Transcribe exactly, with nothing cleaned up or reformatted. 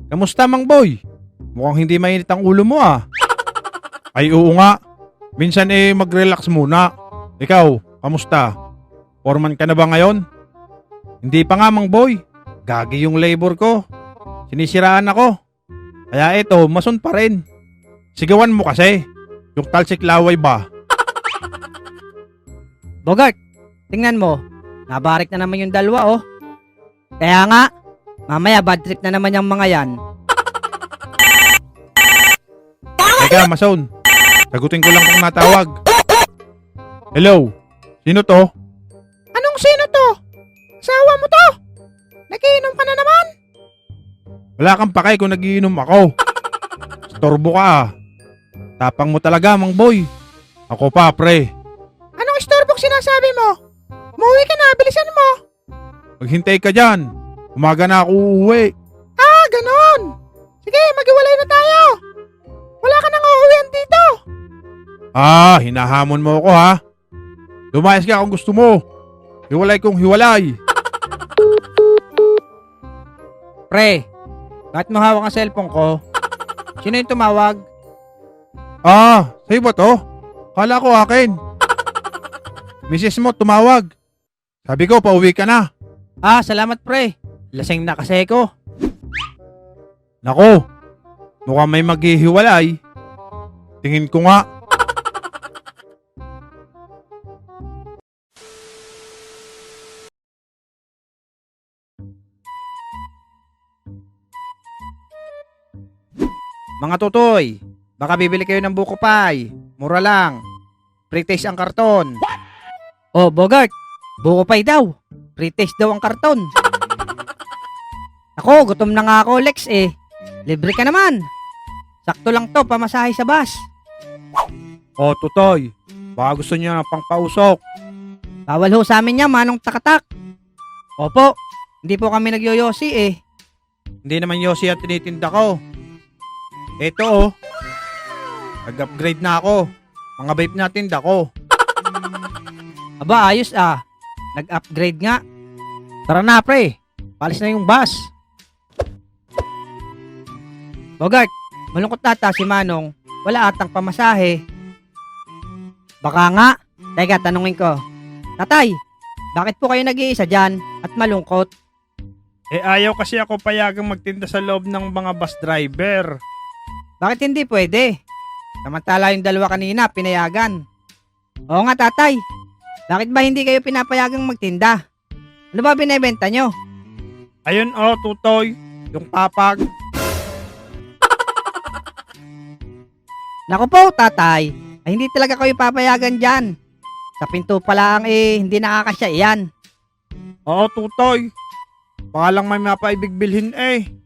Kamusta, Mang Boy? Mukhang hindi mainit ang ulo mo ah. Ay oo nga. Minsan eh mag-relax muna. Ikaw, kamusta? Foreman ka na ba ngayon? Hindi pa nga, Mang Boy. Gagi yung labor ko. Sinisiraan ako. Kaya eto, mason pa rin. Sigawan mo kasi. Yung talsik laway ba? Bogart, tingnan mo. Nabarik na naman yung dalawa oh. Kaya nga, mamaya bad trip na naman yung mga yan. Teka, Mason. Sagutin ko lang kung natawag. Hello? Sino to? Anong sino to? Asawa mo to? Nagiinom ka na naman? Wala kang pakay kung nagiinom ako. Storbo ka ah. Tapang mo talaga, Mang Boy. Ako pa, pre. Anong istorbok sinasabi mo? Umuwi ka na, bilisan mo. Maghintay ka dyan. Umaga na ako uuwi. Ah, ganon. Sige, maghiwalay na tayo. Wala ka nang uuwihan dito. Ah, hinahamon mo ako ha. Lumayas ka kung gusto mo. Hiwalay kong hiwalay. Pre, bakit mo hawak ang cellphone ko? Sino yung tumawag? Ah, sa'yo ba to? Kala ko akin. Misis mo tumawag. Sabi ko, pauwi ka na. Ah, salamat pre. Lasing na kasi ko. Nako, mukhang may maghihiwalay. Tingin ko nga. Mga tutoy, baka bibili kayo ng buko pie. Mura lang. Pre-taste ang karton. Oh, Bogart, buko pie daw. Pre-taste daw ang karton. Ako, gutom na nga ako, Lex eh. Libre ka naman. Sakto lang to, pamasahe sa bus. O, tutoy. Baka gusto niyo ng pangpausok. Bawal ho sa amin niya, manong takatak. Opo, hindi po kami nagyoyosi eh. Hindi naman yosi ang tinitinda ko. Eto oh. Nag-upgrade na ako. Mga vape na tinda ko. Aba, ayos ah. Nag-upgrade nga. Tara na pre, palis na yung bus. Bogart, malungkot nata si Manong. Wala atang pamasahe. Baka nga. Teka, tanungin ko. Tatay, bakit po kayo nag-iisa dyan at malungkot? Eh ayaw kasi ako payagang magtinda sa loob ng mga bus driver. Bakit hindi pwede? Samantala yung dalawa kanina, pinayagan. Oo nga tatay, bakit ba hindi kayo pinapayagang magtinda? Ano ba binebenta nyo? Ayun oh, tutoy. Yung papag. Naku po tatay, ay hindi talaga kayo papayagan dyan. Sa pinto pa lang eh, hindi nakakasya iyan. Oo, tutoy. Baka lang may mapaibig bilhin eh.